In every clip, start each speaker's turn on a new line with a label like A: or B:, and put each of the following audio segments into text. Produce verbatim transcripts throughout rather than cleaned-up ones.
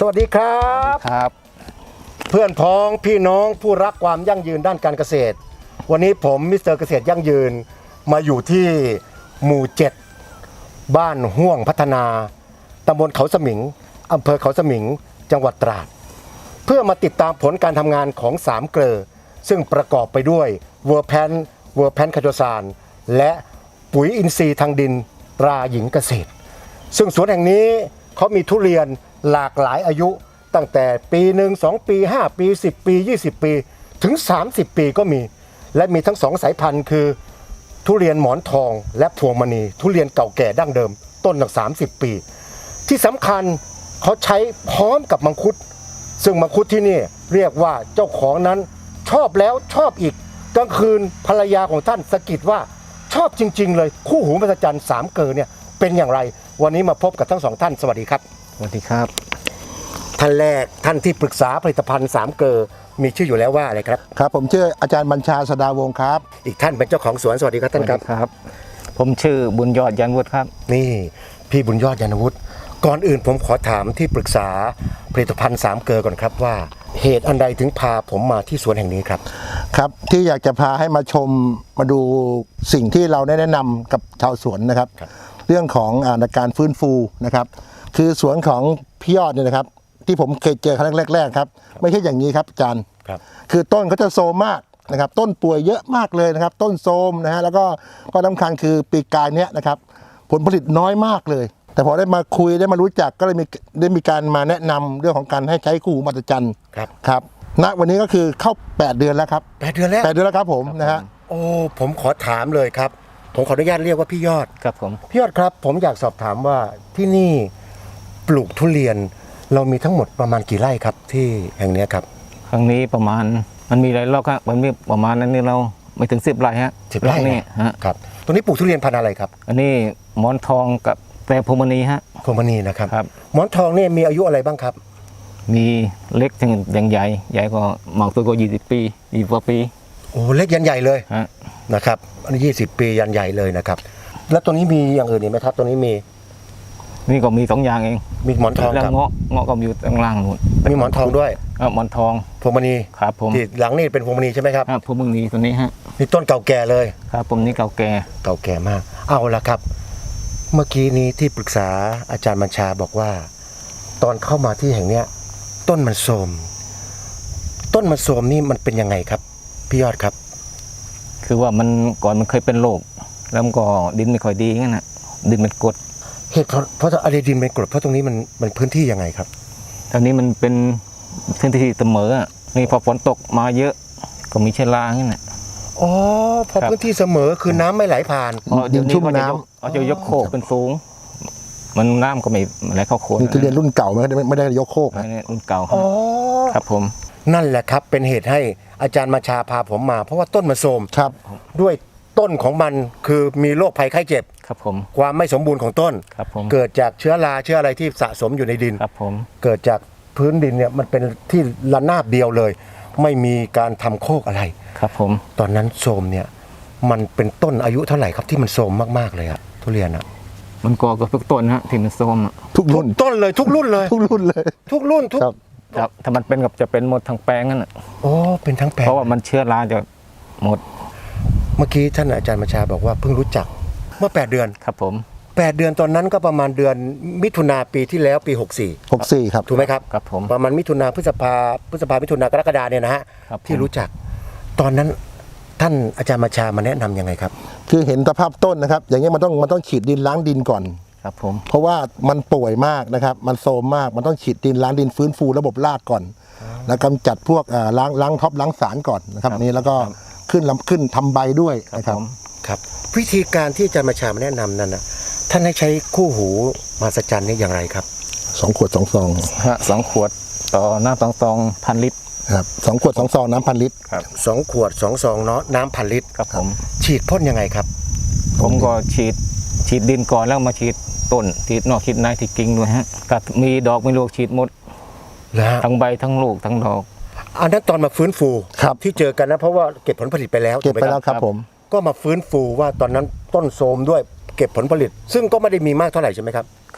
A: วัสดีครับ
B: ครับ
A: เพื่อนพ้องพี่น้องผู้รักความยั่งยืนด้านการเกษตรวันนี้ผมมิสเตอร์เกษตรยั่งยืนมาอยู่ที่หมู่เจ็ดบ้านห่วงพัฒนาตำบลเขาสมิงอำเภอเขาสมิงจังหวัดตราดเพื่อมาติดตามผลการทำงานของสามเกลอซึ่งประกอบไปด้วยเวอร์แพนเวอร์แพนคาโจซานและปุ๋ยอินทรีย์ทางดินตราหญิงเกษตรซึ่งสวนแห่งนี้เขามีทุเรียนหลากหลายอายุตั้งแต่ปีหนึ่ง สองปีห้าปีสิบปียี่สิบปีถึงสามสิบปีก็มีและมีทั้งสองสายพันธุ์คือทุเรียนหมอนทองและพวงมณีทุเรียนเก่าแก่ดั้งเดิมต้นหนักสามสิบปีที่สำคัญเขาใช้พร้อมกับมังคุดซึ่งมังคุดที่นี่เรียกว่าเจ้าของนั้นชอบแล้วชอบอีกกลางคืนภรรยาของท่านสะกิดว่าชอบจริงๆเลยคู่หูมหัศจรรย์สามเกลอเนี่ยเป็นอย่างไรวันนี้มาพบกับทั้งสองท่านสวัสดีครับ
B: สวัสดีครับ
A: ท่านแรกท่านที่ปรึกษาผลิตภัณฑ์สามเกลอมีชื่ออยู่แล้วว่าอะไรครับ
C: ครับผมชื่ออาจารย์บัญชาสดาวงศ์ครับ
A: อีกท่านเป็นเจ้าของสวนสวัสดีครับท่านครับ
B: ครับผมชื่อบุญยอดยันวุฒิครับ
A: นี่พี่บุญยอดยันวุฒิก่อนอื่นผมขอถามที่ปรึกษาผลิตภัณฑ์สามเกลอก่อนครับว่าเหตุอันใดถึงพาผมมาที่สวนแห่งนี้ครับ
C: ครับที่อยากจะพาให้มาชมมาดูสิ่งที่เราได้แนะนำกับชาวสวนนะครับเรื่องของอาการฟื้นฟูนะครับคือสวนของพี่ยอดเนี่ยนะครับที่ผมเคยเจอครั้งแรกๆครับไม่ใช่อย่างนี้ครับอาจารย์
A: ครับ
C: คือต้นเขาจะโซมมากนะครับต้นป่วยเยอะมากเลยนะครับต้นโซมนะฮะแล้วก็ก็สำคัญคือปีกายเนี้ยนะครับผลผลิตน้อยมากเลยแต่พอได้มาคุยได้มารู้จักก็เลยมีได้มีการมาแนะนำเรื่องของการให้ใช้คู่หูมหัศจรรย์
A: ครับ
C: ครับณวันนี้ก็คือเข้าแปดเดือนแล้วครับ
A: แปดเดือนแล้ว
C: แปดเดือนแล้วครับผมนะฮะ
A: โอ้ผมขอถามเลยครับผมขออนุญาตเรียกว่าพี่ยอด
B: ครับผม
A: พี่ยอดครับผมอยากสอบถามว่าที่นี่ปลูกทุเรียนเรามีทั้งหมดประมาณกี่ไร่ครับที่แห่งนี้ครับ
B: ครั้งนี้ประมาณมันมีหลายรอบครับมันมีประมาณนั้นนี่เราไม่ถึงสิบไร่ฮะ
A: สิบไร่
B: นี่ฮะ
A: ครับตรงนี้ปลูกทุเรียนพันธุ์อะไรครับ
B: อันนี้หมอนทองกับแต่พวงมณีฮะ
A: พวงมณีนะครับ
B: ครับ
A: หมอนทองนี่มีอายุอะไรบ้างครับ
B: มีเล็กถึงอย่างใหญ่ใหญ่ก็หมากตัวก็ยี่สิบปียี่สิบกว่าปี
A: โอ้เล็กยันใหญ่เลย
B: ฮะ
A: นะครับอันนี้ยี่สิบปียันใหญ่เลยนะครับแล้วตัวนี้มีอย่างอื่นอีกไหมครับตัวนี้มี
B: นี่ก็มีสองอย่างเอง
A: มีหมอนทอง
B: กับเงาะเงาะก็อยู่ข้างล่างนู่น
A: มีหมอนทองด้วย
B: อ่าหมอนทอง
A: พวงมณี
B: ครับผม
A: ที่หลังนี่เป็นพวงมณีใช่ไหมครับ
B: ครับพวงมณีตัวนี้ฮะ
A: นี่ต้นเก่าแก่เลย
B: ครับผมนี่เก่าแก่
A: เก่าแก่มากเอาละครับเมื่อกี้นี้ที่ปรึกษาอาจารย์บัญชาบอกว่าตอนเข้ามาที่แห่งเนี้ยต้นมันโทรมต้นมันโทรมนี่มันเป็นยังไงครับพี่ยอดครับ
B: คือว่ามันก่อนมันเคยเป็นโรคแล้วมันก็ดินไม่ค่อยดีงั้นนะดินมันกรด
A: เหตุเพราะเพราะอะไรดินเป็นกรดเพราะตรงนี้มันมันพื้นที่ยังไงครับ
B: ตอนนี้มันเป็นพื้นที่เสมอนี่พอฝนตกมาเยอะก็มีเชื้อรางั้นนะ
A: อ๋อพอพื้นที่เสมอคือน้ำไม่ไหลผ่าน
C: ดินชุ่มน้
B: ำเอาจะยกโคกเป็นสูงมันน้ำก็ไม่ไหลเข้าโคน
C: นี่คือเรียนรุ่นเก่าไม่ได้ไม่ได้ยกโคก
B: นะรุ่นเก่า
A: อ๋อ
B: ครับผม
A: นั่นแหละครับเป็นเหตุให้อาจารย์บัญชาพาผมมาเพราะว่าต้นมันโทรม
C: ครับ
A: ด้วยต้นของมันคือมีโรคภัยไข้เจ็บ
B: ครับผม
A: ความไม่สมบูรณ์ของต้น
B: ครับผม
A: เกิดจากเชื้อราเชื้ออะไรที่สะสมอยู่ในดิน
B: ครับผม
A: เกิดจากพื้นดินเนี่ยมันเป็นที่ระนาบเดียวเลยไม่มีการทำโคกอะไร
B: ครับผม
A: ตอนนั้นโทรมเนี่ยมันเป็นต้นอายุเท่าไหร่ครับที่มันโทรมมากๆเลยอะทุเรียนอะ
B: มันก่อกับทุกต้นฮะที่มันโทรม
C: ทุกรุ่น
A: ต้นเลยทุกรุ่นเลย
C: ทุกรุ่นเลย
A: ทุกรุ่นทุก
B: ครับถ้ามันเป็นกับจะเป็นหมดทั้งแปลงนั่นอ่ะ
A: โอ้เป็นทั้งแปลง
B: เพราะว่ามันเชื้อราจะหมด
A: เมื่อกี้ท่านอาจารย์บัญชาบอกว่าเพิ่งรู้จักเมื่อแปดเดือน
B: ครับผม
A: แปดเดือนตอนนั้นก็ประมาณเดือนมิถุนาปีที่แล้วปีหกสี่
C: หกสี่ครับ
A: ถูกไหมครับ
B: ครับผม
A: ประมาณมิถุนาพฤษภาพฤษภามิถุนากรกฎาเนี่ยนะฮะที่รู้จักตอนนั้นท่านอาจารย์บัญชามาแนะนํำยังไงครับ
C: คือเห็นสภาพต้นนะครับอย่างนี้มันต้องมันต้องฉีดดินล้างดินก่อน
B: ครับผม
C: เพราะว่ามันป่วยมากนะครับมันโทรมมากมันต้องฉีดดินล้างดินฟื้นฟูระบบรากก่อนแล้วกำจัดพวกล้างล้างท็อปล้างสารก่อนนะครับนี้แล้วก็ขึ้นลำขึ้นทำใบด้วยนะครับ
A: ครับวิธีการที่อาจารย์บัญชามาแนะนำนั้นนะท่านให้ใช้คู่หูมหัศจรรย์นี่อย่างไรครับ
C: สองขวดสองซอง
B: ฮะสองขวดต่อน้ำสองซองพันลิตร
C: ครับสองขวดสองซองน้ำพันลิตร
B: ครับ
A: สองขวดสองซองเนาะน้ำพันลิตร
B: ครับผม
A: ฉีดพ่นยังไงครับ
B: ผมก็ฉีดฉีดดินก่อนแล้วมาฉีดต้นฉีดนอกฉีดในที่กิ่งด้วยฮะกับมีดอกมีลูกฉีดหมดทั้งใบทั้งลูกทั้งดอก
A: อันนั้นตอนมาฟื้นฟูที่เจอกันนะเพราะว่าเก็บผลผลิตไปแล้ว
C: เก็บไปแล้วครับผม
A: ก็มาฟื้นฟูว่าตอนนั้นต้นโทรมด้วยเก็บผลผลิตซึ่งก็ไม่ได้มีมากเท่าไหร่ใช่ไหมครับ
B: ครับ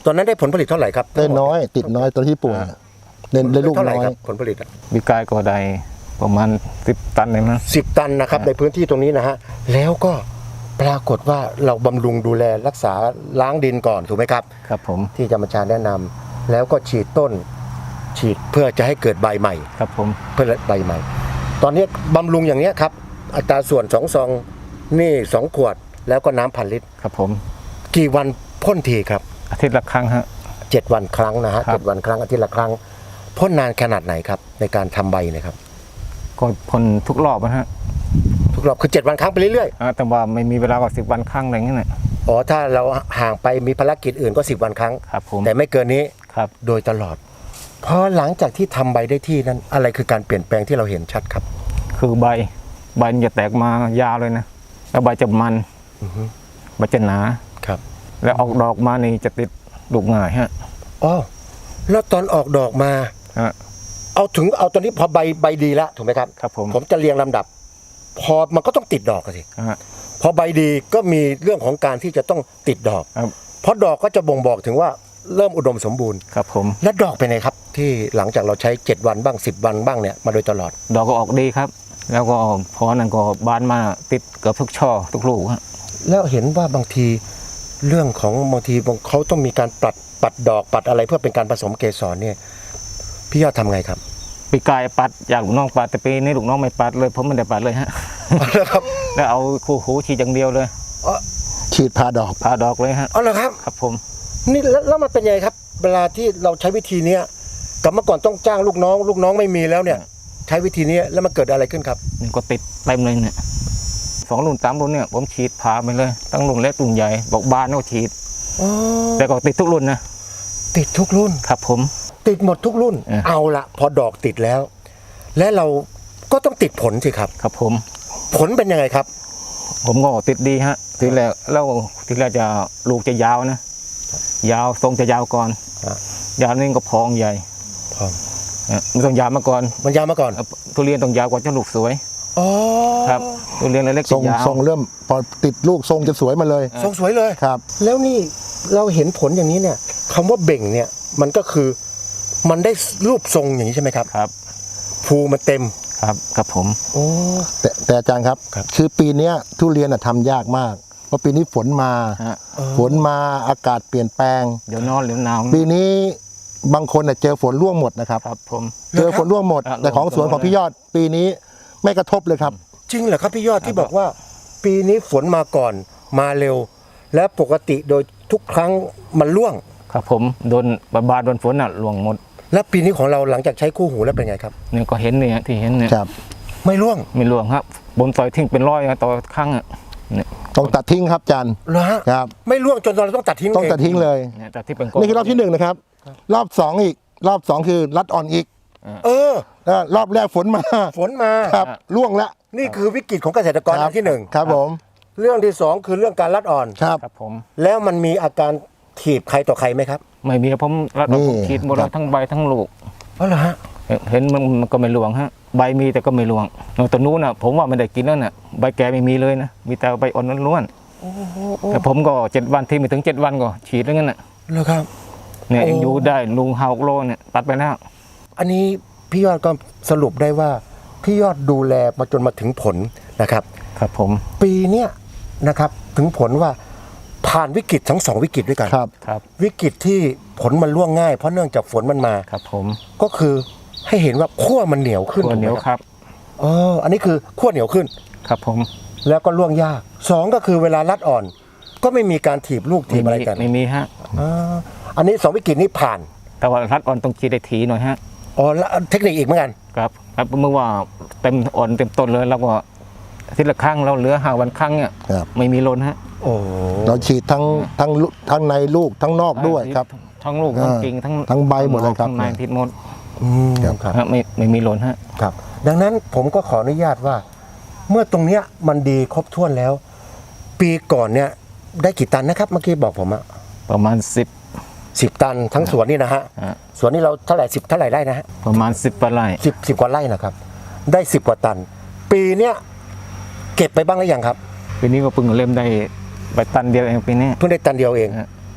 A: ตอนนั้นได้ผลผลิตเท่าไหร่ครับ
C: ได้น้อยติดน้อยตอนที่ป่วยเน้นได้ลูก
A: เท่าไหร่
C: น้อย
A: ครับผลผลิตอะ
B: วิกายก็ได้ประมาณสิบตันเลยมั้ง
A: สิบตันนะครับในพื้นที่ตรงนี้นะฮะแล้วก็ปรากฏว่าเราบำรุงดูแลรักษาล้างดินก่อนถูกไหมครับ
B: ครับผม
A: ที่จะมาจารย์แนะนำแล้วก็ฉีดต้น ฉีดเพื่อจะให้เกิดใบใหม่
B: ครับผม
A: เพื่อใบใหม่ ตอนนี้บำรุงอย่างเนี้ยครับอัตราส่วนสองซองนี่สองขวดแล้วก็น้ำพันลิตร
B: ครับผม
A: กี่วันพ่นทีครับ
B: อาทิตย์ละครั้งฮะ
A: เจ็ดวันครั้งนะฮะ
B: ครับ
A: เจ็ดวันครั้งอาทิตย์ละครั้งพ่นนานขนาดไหนครับในการทำใบเนะครับ
B: ก็พ่นทุกรอบนะฮะ
A: ทุกรอบคือเจ็ดวันครั้งไปเรื่อย
B: อ่าแต่ว่าไม่มีเวลากว่าสิบวันครั้งอะไรเงี้ยนะ
A: ๆอ๋อถ้าเราห่างไปมีภารกิจอื่นก็สิบวันครั้ง
B: ครับผม
A: แต่ไม่เกินนี้
B: ครับ
A: โดยตลอดพอหลังจากที่ทำใบได้ที่นั้นอะไรคือการเปลี่ยนแปลงที่เราเห็นชัดครับ
B: คือใบใบมันจะแตกมายาวเลยนะแล้วใบจะมัน
A: อือฮึ
B: ใบจะหนา
A: ครับ
B: แล้วออกดอกมานี่จะติดลูกง่ายฮะ
A: อ๋อแล้วตอนออกดอกมา
B: ฮะ
A: เอาถึงเอาตอนนี้พอใบใบดีแล้วถูกไหมครับ
B: ครับผม
A: ผมจะเรียงลำดับ พอมันก็ต้องติดดอกอะสิ
B: ฮะ
A: พอใบดีก็มีเรื่องของการที่จะต้องติดดอก
B: ครับ
A: เพราะดอกก็จะบ่งบอกถึงว่าเริ่มอุดมสมบูรณ์
B: ครับผม
A: และดอกเป็นไงครับ ที่หลังจากเราใช้เจ็ดวันบ้างสิบวันบ้างเนี่ยมาโดยตลอด
B: ดอกก็ออกดีครับ แล้วก็พอนั้นก็บานมาติดเกือบทุกช่อทุกลูกฮะ
A: แล้วเห็นว่าบางทีเรื่องของบางทีเขาต้องมีการปัดปัดดอกปัดอะไรเพื่อเป็นการผสมเกสรเนี่ยพี่ยอดทำไงครับ
B: ปีกายปัดอยากลูกน้องปัดแต่ปีนี้ลูกน้องไม่ปัดเลยผมไม่ได้ปัดเลยฮะ
A: ครับ
B: แล้วเอาคู่หูฉีดอย่างเดียวเลย
C: ฉีดพาดอก
B: พาดอกเลยฮะ
A: อ๋อเหรอครับ
B: ครับผม
A: นี่แล้วแล้วมันเป็นยังไงครับ เวลาที่เราใช้วิธีเนี้ยกับเมื่อก่อนต้องจ้างลูกน้อง ลูกน้องไม่มีแล้วเนี่ย ใช้วิธีนี้แล้วมันเกิดอะไรขึ้นครับ
B: นี่ก็ติดเต็มเลยเนี่ยสองรุ่นสามรุ่นเนี่ยผมฉีดพาไปเลยตั้งรุ่นเล็กรุ่นใหญ่บอกบานก็ฉีด
A: อ๋อ
B: แต่ก็ติดทุกรุ่นนะ
A: ติดทุกรุ่น
B: ครับผม
A: ติดหมดทุกรุ่น
B: เออ
A: เอาละพอดอกติดแล้ว และเราก็ต้องติดผลสิครับ
B: ครับผม
A: ผลเป็นยังไงครับ
B: ผมก็ติดดีฮะทีแรกแล้วทีแรกจะลูกจะยาวนะ ยาวทรงจะยาวก่อน
A: อ่ะ
B: ยาวนี่ก็พองใหญ่
A: พร้อม
B: เออมันต้องยาวมาก่อน
A: มันยาวมาก่อน
B: เอ่อทุเรียนต้องยาวกว่าจะลูกสวย
A: อ๋อ
B: ครับทุเรียนเล็กๆ
C: ทร
B: จะ
C: ง
B: ยาว
C: ทรงเริ่มพอติดลูกทรงจะสวยมาเลย
A: ทรงสวยเลย
C: ครับ
A: แล้วนี่เราเห็นผลอย่างนี้เนี่ยคำว่าเบ่งเนี่ยมันก็คือมันได้รูปทรงอย่างนี้ใช่ไหมครับ
B: ครับ
A: ภูมันเต็ม
B: ครับครับผม
A: โอ้
C: แต่แต่อาจารย์ครับ
A: ครับ
C: คือปีเนี้ยทุเรียนอะทำยากมาก เพราะปีนี้ฝนมา
B: ฮะ
C: ฝนมาอากาศเปลี่ยนแปลง
B: เดี๋ยวนอนเดี๋ยวหนาว
C: ปีนี้บางคนน่ะเจอฝนร่วงหมดนะครับ
B: ครับผม
C: เจอฝนร่วงหมด
B: อ่ะ
C: แต่ของสวนของพี่ยอด ปีนี้ไม่กระทบเลยครับ
A: จริงเหรอครับพี่ยอดที่บอกว่า ปีนี้ฝนมาก่อนมาเร็ว และปกติโดยทุกครั้งมันร่วง
B: ครับผมโดนบาบาโดนฝนอ่ะหลวงหมด
A: และปีนี้ของเราหลังจากใช้คู่หูแล้วเป็นไงครับ
B: เนี่ยก็เห็นเนี่ยที่เห็นเนี่ย
C: ครับ
A: ไม่ร่วง
B: ไม่หลวงครับบนซอยทิ้งเป็นร้อยอะต่อครั้งอ่ะเนี่ย
C: ต้องตัดทิ้งครับอาจารย์
A: เหรอฮะ
C: ครับ
A: ไม่ร่วงจนเราต้องตัดทิ้ง
C: ต้องตัดทิ้งเลย
B: เนี่ยแต่ที่เป็น
C: นี่คือรอบที่หนึ่งนะครับ รอบสองอีก รอบสองคือรัดอ่อนอีก
A: เออ
C: แล้วรอบแรกฝนมา
A: ฝนมา
C: ครับร่วงละ
A: นี่คือวิกฤตของเกษตรกร
C: ค
A: อั
C: รับ
A: นที่หนึ่ง
C: ครับผม
A: เรื่องที่สองคือเรื่องการรัดอ่อน
C: ครับ
B: ครับผม
A: แล้วมันมีอาการถีบใครต่อใครไหมครับ
B: ไม่มีผมรัด
C: นี่
B: ผมฉีดหมดแล้วทั้งใบทั้งลูก
A: เพราะเหรอฮะ
B: เห็นมันมันก็ไม่หลวงฮะใบมีแต่ก็ไม่หลวงตัวนู้นน่ะผมว่าไม่ได้กินแล้วน่ะใบแก่ไม่มีเลยนะมีแต่ใบอ่อนล้วนๆแต่ผมก็เจ็ดวันที่ไม่ถึงเจ็ดวันก็ฉีดแล้วงั้นน่ะ
A: เหรอครับ
B: เนี่ย
A: โอ้
B: ยังอยู่ได้ลุงฮาวโลเนี่ยตัดไปแล้ว
A: อันนี้พี่ยอดก็สรุปได้ว่าพี่ยอดดูแลมาจนมาถึงผลนะครับ
B: ครับผม
A: ปีเนี้ยนะครับถึงผลว่าผ่านวิกฤตทั้งสองวิกฤตด้วยกัน
C: ครับ
B: ครับ
A: วิกฤตที่ผลมันร่วงง่ายเพราะเนื่องจากฝนมันมา
B: ครับผม
A: ก็คือให้เห็นว่าขั้วมันเหนียวขึ้น
B: ตัวเหนียว
A: ถูกไม
B: ครับ
A: เอออันนี้คือขั้วเหนียวขึ้น
B: ครับผม
A: แล้วก็ร่วงยากสองก็คือเวลารัดอ่อน ก็ไม่มีการถีบลูกถี
B: ไม่
A: บอะไร
B: มี
A: กัน
B: ไม่มีฮะ
A: อ่าอันนี้สองวิกฤตนี้ผ่าน
B: แต่ว่ารัดอ่อนต้องฉีดได้ทีหน่อยฮะ
A: อ๋อแล้วเทคนิคอีกเหมือนกัน
B: ครับครับเมื่อว่าเต็มอ่อนเต็มต้นเลยแล้วก็อาทิตย์ละครั้งเราเหลือห้าวันครั้งเนี่ย
C: ครับ
B: ไม่มีล้นฮะ
A: โอ้
C: เราฉีดทั้งทั้งลูกทั้งในลูกทั้งนอกด้วยครับ
B: ทั้งลูกทั้ง
C: อ่า
B: กิ่งทั้ง
C: ทั้งใบหมดเลยครับ
B: ทั้งในทิศหมด
A: อืม
C: ครับ
A: ครับ
B: ฮะไม่ไม่มีล้นฮะ
A: ครับ ดังนั้นผมก็ขออนุญาตว่า เมื่อตรงเนี้ยมันดีครบถ้วนแล้ว ปีก่อนเนี่ยได้กี่ตันนะครับ เมื่อกี้บอกผมอะ
B: ประมาณสิบ
A: สิบตันทั้งสวนนี่นะฮะ
B: ฮะ
A: สวนนี่เราเท่าไหร่สิบเท่าไหร่ไร่นะฮะ
B: ประมาณสิบปลาย
A: สิบสิบกว่าไร่นะครับ ได้สิบกว่าตัน ปีเนี้ยเก็บไปบ้างหรือยังครับ
B: ปีนี้ก็เพิ่งเริ่มได้ใบตันเดียวเองปีนี้
A: เพิ่งได้ตันเดียวเอง
B: ฮะ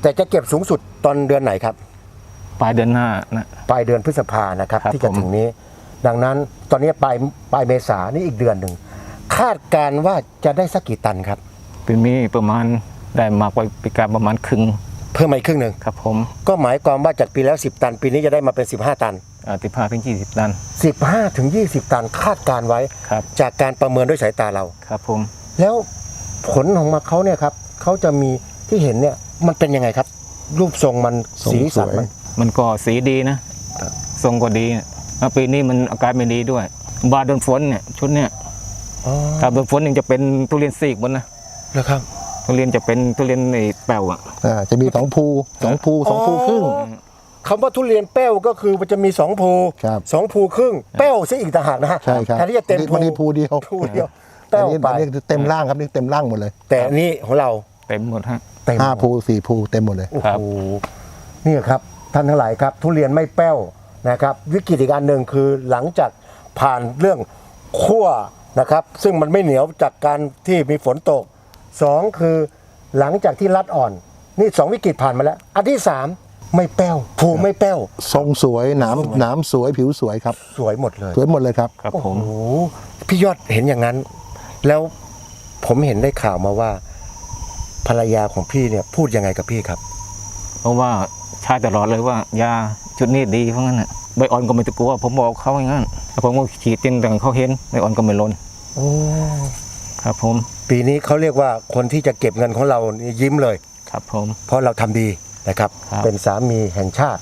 A: แต่จะเก็บสูงสุดตอนเดือนไหนครับ
B: ปลายเดือนหน้านะ
A: ปลายเดือนพฤษภานะครับ
B: ครับ
A: ที่จะ
B: ผม
A: ถึงนี้ ดังนั้นตอนนี้ปลายปลายเมษานี่อีกเดือนหนึ่งคาดการณ์ว่าจะได้สักกี่ตันครับ
B: ปีนี้ประมาณได้มากกว่าปีการประมาณครึ่ง
A: เพิ่มมาอีกครึ่งหนึ่ง
B: ครับผม
A: ก็หมายความว่าจากปีแล้วสิบตัน ปีนี้จะได้มาเป็นสิบห้าตัน
B: สิบห้าถึงยี่สิบตัน
A: สิบห้าถึงยี่สิบตันคาดการณ์ไว้
B: ครับ
A: จากการประเมินด้วยสายตาเรา
B: ครับผม
A: แล้วผลของมาเขาเนี่ยครับเขาจะมีที่เห็นเนี่ยมันเป็นยังไงครับ รูปทรงมัน
C: ทรง
A: สีสัน
C: สวย
A: มัน
B: มันก็สีดีนะทรงก็ดีนะแล้วปีนี้มันอากาศไม่ดีด้วย บาโดนฝนเนี่ยชุดเนี่ย
A: อ๋อ
B: ถ้าโดนฝนยังจะเป็นทุเรียนซีกหมดนะ
A: แล้วครับ
B: ทุเรียนจะเป็นทุเรียนไอ้แป้วอ่ะ
C: อ่าจะมีสองภูสองภูสองภูครึ่ง
A: คำว่าทุเรียนแป้วก็คือมันจะมีสองภู
C: ครับ
A: สองภูครึ่งแป้วซะอีกต่างหากนะฮะ
C: ใช่ครับ
A: แทนที่จะเต็ม
C: วันนี้ภูเดียว
A: ภูเดียว
C: อั
A: แป้
C: น
A: ว
C: นี้
A: ไป
C: อันนี้เต็มร่างครับนี่เต็มร่างหมดเลย
A: แต่อันนี้ของเรา
B: เต็มหมดฮะ
A: เต็ม
C: ห้าภูสี่ภูเต็มหมดเลย
A: โอ้
B: ครับ
A: โหนี่ครับท่านทั้งหลายครับ ทุเรียนไม่แป้วนะครับ วิกฤตอีกอันหนึ่งคือหลังจากผ่านเรื่องขั้วนะครับ ซึ่งมันไม่เหนียวจากการที่มีฝนตกสองคือหลังจากที่รัดอ่อน นี่สองวิกฤตผ่านมาแล้ว อันที่สามไม่แป้วภูไม่แป้ว
C: ทรงสวยหนามหนามสวยผิวสวยครับ
A: สวยหมดเลย
C: สวยหมดเลยครับ
B: ครับ
A: โอ้
B: ผ
A: โห
B: ม
A: พี่ยอดเห็นอย่างนั้น แล้วผมเห็นได้ข่าวมาว่า ภรรยาของพี่เนี่ยพูดยังไงกับพี่ครับ
B: เพราะว่าใช้ตลอดเลยว่ายาชุดนี้ดีเพราะงั้นน่ะใบอ่อนก็ไม่ตะกลัวผมบอกเขาอย่างนั้นแล้วผมก็ฉีดจนแต่เขาเห็นใบอ่อนก็ไม่ล้น
A: โอ้
B: ครับผม
A: ปีนี้เขาเรียกว่าคนที่จะเก็บเงินของเรานี่ยิ้มเลย
B: ครับผม
A: เพราะเราทำดีนะครับ
B: ครับ
A: เป็นสามีแห่งชาติ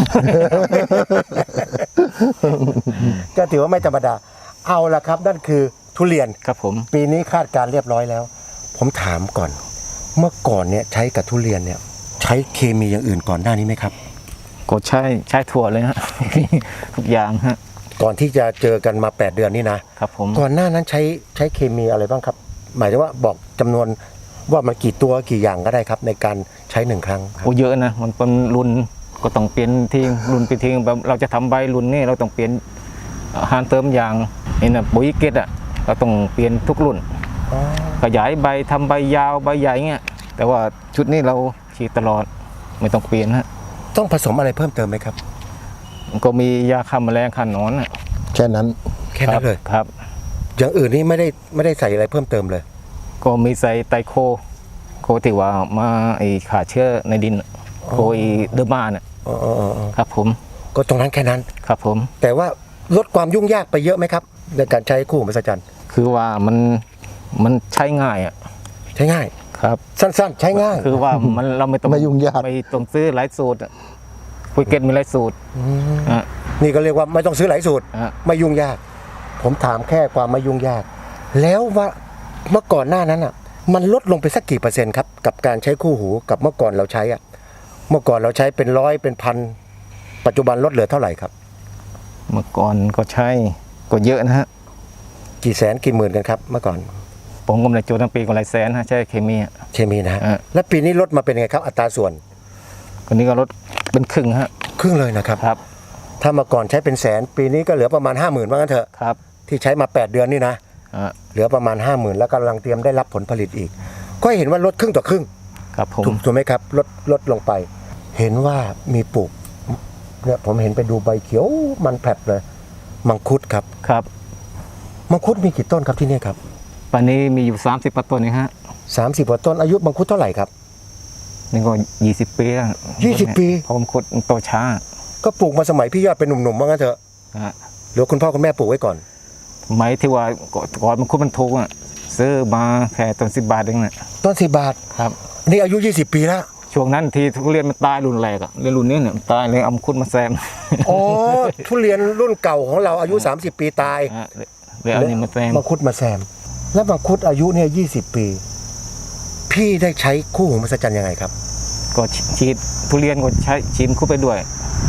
A: ก็ถือว่าไม่ธรรมดา เอาละครับ นั่นคือทุเรียน
B: ครับผม
A: ปีนี้คาดการณ์เรียบร้อยแล้ว ผมถามก่อน เมื่อก่อนเนี่ยใช้กับทุเรียนเนี่ย ใช้เคมีอย่างอื่นก่อนหน้านี้ไหมครับ
B: กดใช้ใช้ถั่วเลยฮะ ทุกอย่างฮะ
A: ก่อนที่จะเจอกันมาแปดเดือนนี่นะ
B: ครับผม
A: ก่อนหน้านั้นใช้ใช้เคมีอะไรบ้างครับ หมายถึงว่าบอกจำนวนว่ามันกี่ตัวกี่อย่างก็ได้ครับ ในการใช้หนึ่งครั้งครับ
B: โอ้เยอะนะมันเป็นรุ่นก็ต้องเปลี่ยนทิ้งรุ่นไปทิ้งแบบเราจะทำใบรุ่นนี่เราต้องเปลี่ยนอาหารเติมอย่างนี่นะปุ๋ยเกตอ่ะเราต้องเปลี่ยนทุกรุ่น ขยายใบทำใบยาวใบใหญ่เงี้ยแต่ว่าชุดนี้เราฉีดตลอดไม่ต้องเปลี่ยนฮะ
A: ต้องผสมอะไรเพิ่มเติมไหมครับ
B: ก็มียาฆ่าแมลงฆ่าหนอนน่ะ
C: แค่นั้น
A: แค่นั้นเลย
B: ครับ
A: อย่างอื่นนี่ไม่ได้ไม่ได้ใส่อะไรเพิ่มเติมเลย
B: ก็มีใส่ไตรโค โคที่ว่ามาไอ้ขาเชื้อในดินน่ะโคไอ้เดอร์มาน่ะ
A: อ๋ออ๋ออ๋อ
B: ครับผม
A: ก็ตรงนั้นแค่นั้น
B: ครับผม
A: แต่ว่าลดความยุ่งยากไปเยอะไหมครับ ในการใช้คู่หูมหัศจรรย์
B: คือว่ามันมันใช้ง่ายอ่ะ
A: ใช้ง่าย
B: ครับ
A: สั้นๆ ใช้ง่าย
B: คือว่ามันเราไม่ต้อง
C: ไม่ยุ่งยาก
B: ไม่ต้องซื้อหลายสูตรอะปุ๋ยเกตมีหลายสูตรอ่ะ
A: นี่ก็เรียกว่าไม่ต้องซื้อหลายสูตร
B: อ่ะ
A: ไม่ยุ่งยาก ผมถามแค่ความไม่ยุ่งยาก แล้วว่าเมื่อก่อนหน้านั้นอ่ะ มันลดลงไปสักกี่เปอร์เซ็นต์ครับกับการใช้คู่หูกับเมื่อก่อนเราใช้อ่ะ เมื่อก่อนเราใช้เป็นร้อยเป็นพันปัจจุบันลดเหลือเท่าไหร่ครับ
B: เมื่อก่อนก็ใช้ก็เยอะนะฮะ
A: กี่แสนกี่หมื่นกันครับเมื่อก่อน
B: ผมก็ไม่ได้โจทย์ทั้งปีก็หลายแสนฮะใช้เคมีอ่ะ
A: เคมีนะฮะ
B: อ่ะ
A: แล้วปีนี้ลดมาเป็นไงครับ อัตราส่วน
B: คนนี้ก็ลดเป็นครึ่งฮะ
A: ครึ่งเลยนะครับ
B: ครับ
A: ถ้าเมื่อก่อนใช้เป็นแสน ปีนี้ก็เหลือประมาณห้าหมื่นว่างั้นเถอะ
B: ครับ
A: ที่ใช้มาแปดเดือนนี่นะ
B: อ่ะ
A: เหลือประมาณห้าหมื่นแล้วกำลังเตรียมได้รับผลผลิตอีก ก็เห็นว่าลดครึ่งต่อครึ่ง
B: ครับผม
A: ถูกถูกไหมครับลดลดลงไป เห็นว่ามีปลูกเนี่ยผมเห็นไปดูใบเขียวมันแผลบเลย มังคุดครับ
B: ครับ
A: มังคุดมีกี่ต้นครับที่นี่ครับ
B: ปันนี้มีอยู่สามสิบต้นนี่ฮะ
A: สามสิบกว่าต้นอายุมังคุดเท่าไหร่ครับ
B: นี่ก็ยี่สิบปีแล้ว
A: ยี่สิบปี
B: เพราะผมขุดมันโตช้า
A: ก็ปลูกมาสมัยพี่ยอดเป็นหนุ่มๆว่างั้นเถอะ
B: นะฮะ
A: หรือคุณพ่อคุณแม่ปลูกไว้ก่อน
B: ไม้ที่ว่าก่อนมันขุดมันถูกอ่ะซื้อมาแค่ต้นสิบบาทเองน่ะ
A: ต้นสิบบาท
B: ครับ
A: นี่อายุยี่สิบปีแล้ว
B: ช่วงนั้นที่ทุเรียนมันตายรุ่นแรกอ่ะเรียนรุ่นนี้เนี่ยมันตายเลยเอามาขุดมาแซม
A: อ๋อ ทุเรียนรุ่นเก่าของเราอายุสามสิบปีตาย
B: ฮะเลยเอานี่มาแซม
A: มังคุดมาแซม แล้วมังคุดอายุเนี่ยยี่สิบปี พี่ได้ใช้คู่หูมหัศจรรย์ยังไงครับ
B: ก็ฉีดทุเรียนก็ใช้ฉีดคุดไปด้วย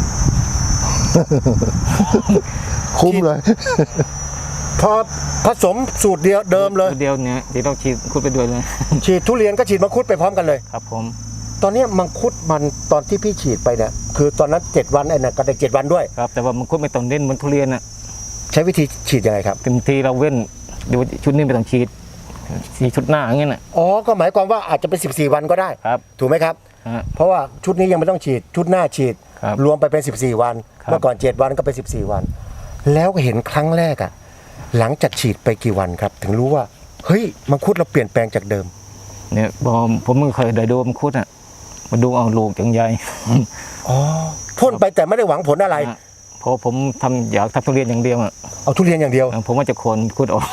C: คุ้มเลย
A: พอผสมสูตรเดียวเดิมเลย
B: เดียวเนี่ยที่เราฉีดคุดไปด้วยเลย
A: ฉีดทุเรียนก็ฉีดมังคุดไปพร้อมกันเลย
B: ครับผม
A: ตอนเนี้ยมังคุดมันตอนที่พี่ฉีดไปเนี่ยคือตอนนั้นเจ็ดวันไอ้นั่นก็ได้เจ็ดวันด้วย
B: ครับแต่ว่ามันคุดไม่ต้องเน้นเหมือนทุเรียนอ่ะ
A: ใช้วิธีฉีดยังไงครับ
B: เต็มทีเราเว้นเดี๋ยวชุดนี้ไม่ต้องฉีดฉีดชุดหน้าอย่างเงี้ยน่ะ
A: อ๋อก็หมายความว่าอาจจะเป็นสิบสี่วันก็ได้
B: ครับ
A: ถูกไหมครับ
B: ฮฮะ
A: เพราะว่าชุดนี้ยังไม่ต้องฉีดชุดหน้าฉีด
B: ครับ
A: รวมไปเป็นสิบสี่วัน
B: ครับ
A: เมื่อก่อนเจ็ดวันก็เป็นสิบสี่วัน แล้วก็เห็นครั้งแรกอะหลังจากฉีดไปกี่วันครับ ถึงรู้ว่าเฮ้ยมังคุดเราเปลี่ยนแปลงจากเดิม
B: เนี่ยพอผมไม่เคยได้ดูมังคุดอ่ะมาดูเอาลูกจังใหญ่
A: อ๋อพ่นไปแต่ไม่ได้หวังผลอะไร
B: ฮะเพราะผมทำอยากทำทุเรียนอย่างเดียวอ่ะ
A: เอาทุเรียนอย่างเดียว
B: ผมว่าจะโคนมังคุดออก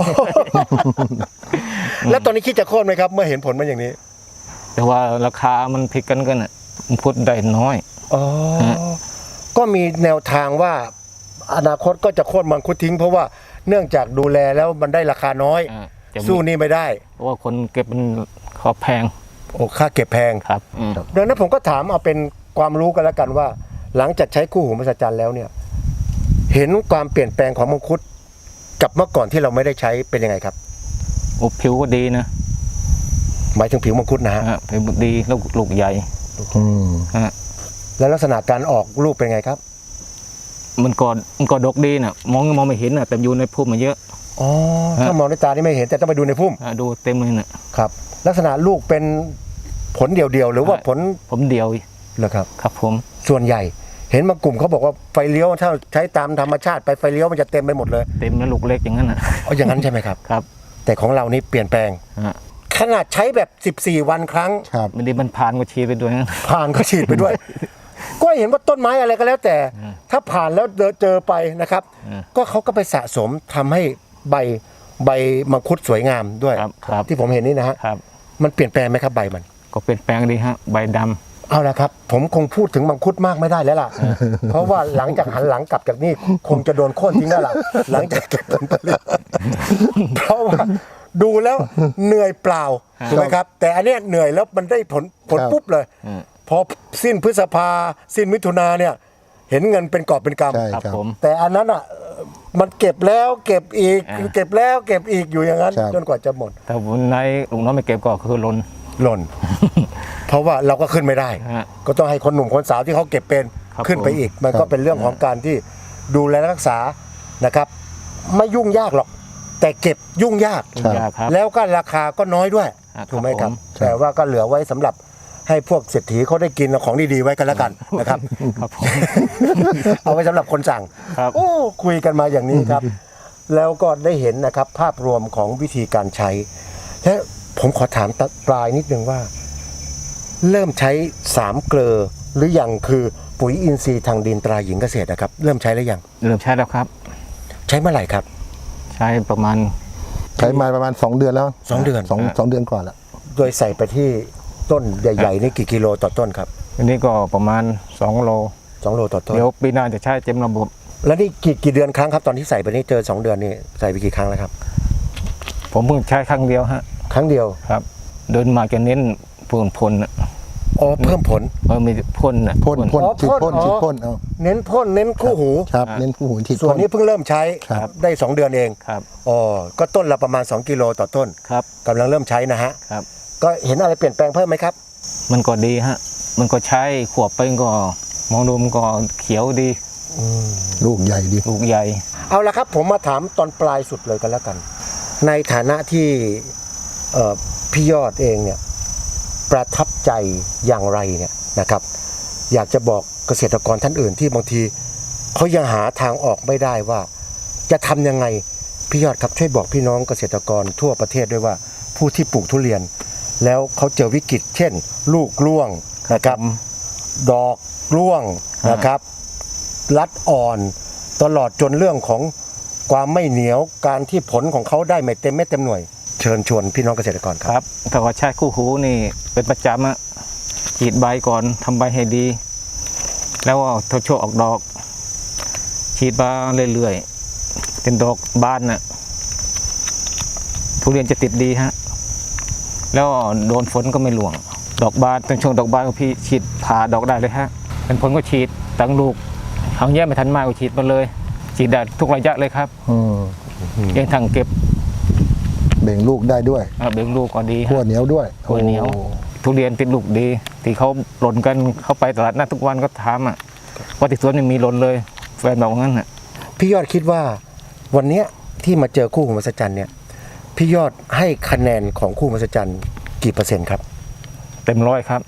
A: แล้วตอนนี้คิดจะโค่นไหมครับ เมื่อเห็นผลมันอย่างนี้
B: แต่ว่าราคามันพลิกกันกันอ่ะมังคุดได้น้อย
A: อ๋อ
B: ฮะ
A: ก็มีแนวทางว่าอนาคตก็จะโค่นมังคุดทิ้ง เพราะว่าเนื่องจากดูแลแล้วมันได้ราคาน้อย
B: อ่าจะมี
A: สู้นี่ไม่ได้
B: เพราะว่าคนเก็บมันเขาแพง
A: โอ้ค่าเก็บแพง
B: ครับอืม
A: ดังนั้นผมก็ถามเอาเป็นความรู้กันแล้วกันว่า หลังจากใช้คู่หูมหัศจรรย์แล้วเนี่ย เห็นความเปลี่ยนแปลงของมังคุดกับเมื่อก่อนที่เราไม่ได้ใช้เป็นยังไงครับ
B: โอ้ผิวก็ดีนะ
A: หมายถึงผิวมังคุดนะฮะ
B: ฮะผิวดีลูกลูกใหญ่
C: อืม
B: ฮะ
A: แล้วลักษณะการออกลูกเป็นไงครับ
B: มันก็มันก็ดกดีน่ะมองมองไม่เห็นน่ะแต่อยู่ในพุ่มมาเยอะ
A: อ๋อ
B: ฮะ
A: ถ้ามองด้วยตานี่ไม่เห็นแต่ต้องไปดูในพุ่ม
B: ฮะดูเต็มเลยน่ะ
A: ครับ ลักษณะลูกเป็นผลเดียวๆหรือว่า
B: ฮะ
A: ผล
B: ผมเดียว
A: เหรอครับ
B: ครับผม
A: ส่วนใหญ่ เห็นบางกลุ่มเขาบอกว่าไฟเลี้ยวถ้าใช้ตามธรรมชาติไปไฟเลี้ยวมันจะเต็มไปหมดเลย
B: เต็มแล้วลูกเล็กอย่างนั้นน่ะ
A: เอาอย่างนั้นใช่ไหมครับ
B: ครับ
A: แต่ของเรานี่เปลี่ยนแปลง
B: ฮะ
A: ขนาดใช้แบบสิบสี่วันครั้ง
C: ครับ
B: ไม่ได้มันผ่านก็ชีไปด้วยนะ
A: ผ่านก็ฉีดไปด้วย ก็เห็นว่าต้นไม้อะไรก็แล้วแต่ ถ้าผ่านแล้วเจอเจอไปนะครับ
B: อืม
A: ก็เขาก็ไปสะสมทำให้ใบใบมังคุดสวยงามด้วย
B: ครับครับ
A: ที่ผมเห็นนี่นะฮะ
B: ครับ
A: มันเปลี่ยนแปลงไหมครับใบมัน
B: ก็เปลี่ยนแปลงดีฮะใบดำ
A: เอาละครับ ผมคงพูดถึงมังคุดมากไม่ได้แล้วล่ะ เพราะว่าหลังจากหันหลังกลับจากนี่คงจะโดนโค่นทิ้งแล้วล่ะ หลังจากเก็บผลผลิตเพราะว่าดูแล้วเหนื่อยเปล่าถูกไหมครับ แต่อันเนี้ยเหนื่อยแล้วมันได้ผลผล
C: ครับ
A: ปุ๊บเลย
B: อืม
A: พอสิ้นพฤษภาสิ้นมิถุนาเนี่ย เห็นเงินเป็นกอบเป็นก
C: ใช่
B: ครับ
C: ครับ
B: ผม
A: ำแต่อันนั้นอ่ะเอ่อมันเก็บแล้วเก็บอีก
B: อ่า
A: เก็บแล้วเก็บอีกอยู่อย่างนั้น
C: ครับ
A: จนกว่าจะหมด
B: แต่วันไหนลุงน้อยไม่เก็บก็คือลน
A: หล่น เพราะว่าเราก็ขึ้นไม่ได้
B: ฮะ
A: ก็ต้องให้คนหนุ่มคนสาวที่เขาเก็บเป็น
B: ครับ
A: ขึ้นไปอีก มันก็เป็นเรื่องของการที่ดูแลรักษานะครับ ไม่ยุ่งยากหรอก แต่เก็บยุ่งยาก
C: ครับ
B: ยาครับ
A: แล้วก็ราคาก็น้อยด้วย
B: ครับ
A: ถูกไหมครับ
B: ผม
A: แต่ว่าก็เหลือไว้สำหรับให้พวกเศรษฐีเขาได้กินของดีๆไว้กันแล้วกันนะครับ
B: ครับผม
A: เอาไว้สำหรับคนสั่ง
B: ครับ
A: โอ้คุยกันมาอย่างนี้ครับ แล้วก็ได้เห็นนะครับภาพรวมของวิธีการใช้ และผมขอถามตะปลายนิดนึงว่า เริ่มใช้สามเกลอหรือยังคือปุ๋ยอินทรีย์ทางดินตราหญิงเกษตรนะครับ เริ่มใช้หรือยัง
B: เริ่มใช้แล้วครับ
A: ใช้เมื่อไหร่ครับ
B: ใช้ประมาณ
C: ใช้มาประมาณสองเดือนแล้ว
A: สองเดือน
C: สองสองเดือนกว่าแล้ว
A: โดยใส่ไปที่ต้นใหญ่ๆนี่กี่กิโลต่อต้นครับ
B: อันนี้ก็ประมาณสองโล
A: สองโลต่อต้น
B: เดี๋ยวปีหน้าจะใช้เต็มระบบ
A: แล้วนี่กี่กี่เดือนครั้งครับตอนที่ใส่ไปนี่เจอสองเดือนนี่ใส่ไปกี่ครั้งแล้วครับ
B: ผมเพิ่งใช้ครั้งเดียวฮะ
A: ครั้งเดียว
B: ครับ เดินมาจะเน้นพ่นพ่นน่ะ
A: อ๋อเพิ่มผล
B: เออมีพ่นน่ะ
C: พ่นพ่น
A: อ๋อ
C: ฉีด
A: พ่
C: พ่
A: น
C: น
A: อ๋อ
C: ฉีดพ่นเอา
A: เน้นพ่นเน้นคู่หู
C: ครับเน้นคู่หูฉีด
A: ส่ว
C: พ่
A: น
C: น
A: นี้เพิ่งเริ่มใช้
C: ครับ
A: ได้สองเดือนเอง
B: ครับ
A: อ๋อก็ต้นละประมาณสองกิโลต่อต้น
B: ครับ
A: กำลังเริ่มใช้นะฮะ
B: ครับ
A: ก็เห็นอะไรเปลี่ยนแปลงเพิ่มไหมครับ
B: มันก็ดีฮะ มันก็ใช้ขวบไปก็มองดูมันก็เขียวดี
C: ลูกใหญ่ดี
B: ลูกใหญ่
A: เอาละครับผมมาถามตอนปลายสุดเลยกันแล้วกัน ในฐานะที่เอ่อพี่ยอดเองเนี่ยประทับใจอย่างไรเนี่ยนะครับ อยากจะบอกเกษตรกรท่านอื่นที่บางทีเขายังหาทางออกไม่ได้ว่า จะทำยังไงพี่ยอดครับช่วยบอกพี่น้องเกษตรกรทั่วประเทศด้วยว่า ผู้ที่ปลูกทุเรียน แล้วเขาเจอวิกฤต เช่น ลูกร่วงนะครับ ดอกร่วงนะครับ รัดอ่อนตลอดจนเรื่องของความไม่เหนียวการที่ผลของเขาได้ไม่เต็มเม็ดเต็มหน่วย เชิญชวนพี่น้องเกษตรกรค
B: ครับ รับถ้าว่าใช้คู่หูนี่เป็นประจำอะฉีดใบก่อนทำใบให้ดี แล้วก็ทดช่วงออกดอก ฉีดมาเรื่อยๆเป็นดอกบานน่ะทุเรียนจะติดดีฮะแล้วโดนฝนก็ไม่หลวง ดอกบานตอนช่วงดอกบานก็พี่ฉีดผ่าดอกได้เลยฮะเป็นผลก็ฉีดตั้งลูกหางแย่ไม่ทันมากก็ฉีดมาเลย ฉีดได้ทุกระยะเลยครับ
C: อืม
B: ยังทางเก็บ
C: เบ่งลูกได้ด้วย
B: อ่าเบ่งลูกก็ดี
C: ขั้ว
B: ฮะ
C: เหนียวด้วย
B: ขั้วเหนียว
C: โอ้
B: ทุเรียนติดลูกดี ที่เขาหล่นกันเข้าไปตลาดนัดทุกวันก็ถามอ่ะว่าที่สวนไม่มีหล่นเลยแฟนบอกว่างั้นอ่ะ
A: พี่ยอดคิดว่าวันเนี้ยที่มาเจอคู่หูมหัศจรรย์เนี่ยพี่ยอดให้คะแนนของคู่หูมหัศจรรย์กี่เปอร์เซ็นต์ครับ
B: เต็มร้อยครับ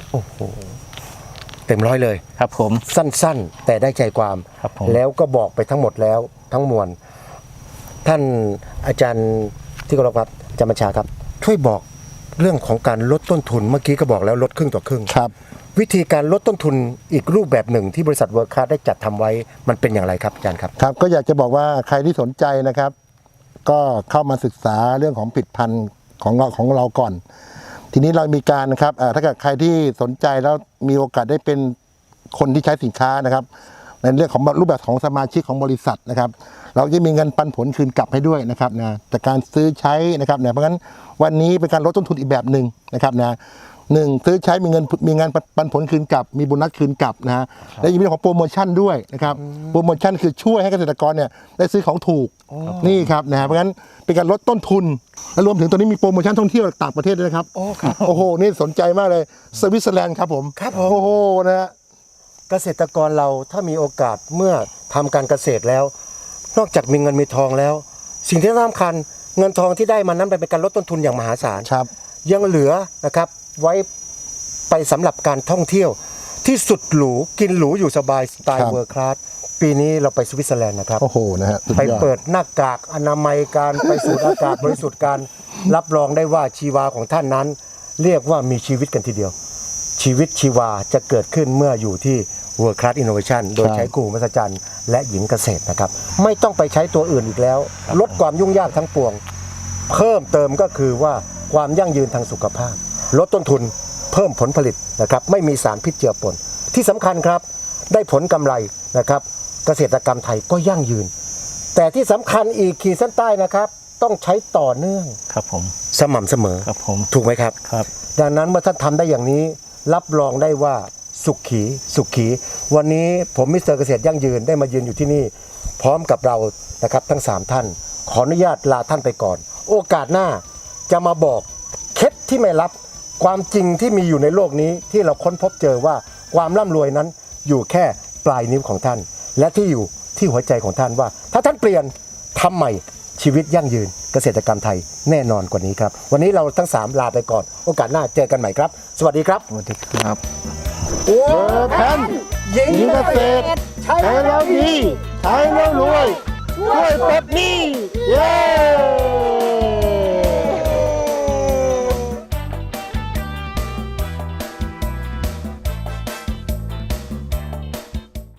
A: โอ้โหเต็มร้อยเลย
B: ครับผม
A: สั้นๆ แต่ได้ใจความ
B: ครับผม
A: แล้วก็บอกไปทั้งหมดแล้วทั้งมวลท่านอาจารย์ที่เคารพครับอาจารย์บัญชาครับ ช่วยบอกเรื่องของการลดต้นทุนเมื่อกี้ก็บอกแล้วลดครึ่งต่อครึ่ง
C: ครับ
A: วิธีการลดต้นทุนอีกรูปแบบหนึ่งที่บริษัทเวิร์คคลาสได้จัดทำไว้มันเป็นอย่างไรครับอาจารย์ครับ
C: ครับก็อยากจะบอกว่าใครที่สนใจนะครับ ก็เข้ามาศึกษาเรื่องของผลิตภัณฑ์ของเราของเราก่อน ทีนี้เรามีการนะครับอ่าถ้าเกิดใครที่สนใจแล้วมีโอกาสได้เป็นคนที่ใช้สินค้านะครับ ในเรื่องของรูปแบบของสมาชิกของบริษัทนะครับ เราจะมีเงินปันผลคืนกลับให้ด้วยนะครับนะจากการซื้อใช้นะครับเนี่ยเพราะงั้นวันนี้เป็นการลดต้นทุนอีกแบบหนึ่งนะครับนะหนึ่งซื้อใช้มีเงินมีงานปันผลคืนกลับ มีโบนัสคืนกลับนะฮะและยังมีเรื่องของโปรโมชั่นด้วยนะครับโปรโมชั่นคือช่วยให้เกษตรกรเนี่ยได้ซื้อของถูกนี่ครับนะฮะเพราะงั้นเป็นการลดต้นทุนและรวมถึงตอนนี้มีโปรโมชั่นท่องเที่ยวต่างประเทศด้วยนะครับ
A: โอ้ครับ
C: โอ้โหนี่สนใจมากเลยสวิตเซอร์แลนด์ครับผม
A: ครับผม
C: โอ้โหนะฮะ
A: เกษตรกรเราถ้ามีโอกาสเมื่อทำการเกษตรแล้ว นอกจากมีเงินมีทองแล้ว สิ่งที่สำคัญเงินทองที่ได้มานั้นเป็นการลดต้นทุนอย่างมหาศาล
C: ครับ
A: ยังเหลือนะครับไว้ไปสำหรับการท่องเที่ยวที่สุดหรูกินหรูอยู่สบายสไต
C: ครั
A: ล์
C: บ
A: เวิร์คลาสปีนี้เราไปสวิตเซอร์แลนด์นะครับ
C: โอ้โหนะฮะสุด
A: ไป
C: ยอด
A: เปิดหน้ากากอนามัยการไปสูดอากาศบริสุทธิ์การรับรองได้ว่าชีวาของท่านนั้น เรียกว่ามีชีวิตกันทีเดียว ชีวิตชีวาจะเกิดขึ้นเมื่ออยู่ที่ World Class Innovation โดยใช้กูมหัศจรรย์และหญิงเกษตรนะครับ ไม่ต้องไปใช้ตัวอื่นอีกแล้ว ลดความยุ่งยากทั้งปวง เพิ่มเติมก็คือว่าความยั่งยืนทางสุขภาพ ลดต้นทุนเพิ่มผลผลิตนะครับ ไม่มีสารพิษเจือปนที่สำคัญครับ ได้ผลกำไรนะครับ เกษตรกรรมไทยก็ยั่งยืน แต่ที่สำคัญอีกขีดเส้นใต้นะครับ ต้องใช้ต่อเนื่อง
B: ครับผม
A: สม่ำเสมอ
B: ครับผม
A: ถูกไหมครับ
B: ครับ
A: ดังนั้นเมื่อท่านทำได้อย่างนี้ รับรองได้ว่าสุขีสุขี วันนี้ผมมิสเตอร์เกษตรยั่งยืนได้มายืนอยู่ที่นี่ พร้อมกับเรานะครับทั้งสามท่าน ขออนุญาตลาท่านไปก่อน โอกาสหน้าจะมาบอกเคล็ดที่ไม่ลับความจริงที่มีอยู่ในโลกนี้ที่เราค้นพบเจอว่าความร่ำรวยนั้นอยู่แค่ปลายนิ้วของท่าน และที่อยู่ที่หัวใจของท่านว่า ถ้าท่านเปลี่ยนทำใหม่ชีวิตยั่งยืนเกษตรกรรมไทยแน่นอนกว่านี้ครับ วันนี้เราทั้งสามลาไปก่อน โอกาสหน้าเจอกันใหม่ครับ สวัสดีครับ
B: สวัสดีครับ
A: โอ้
C: แพน
A: หญิง
C: หญิง
A: เก
C: เก
A: ษ
C: ษ
A: ต
C: ต
A: ร
C: ร
A: ใช้
C: ใช้แล้วดีใช้แล้วรวยช่วยปลดหนี้เย้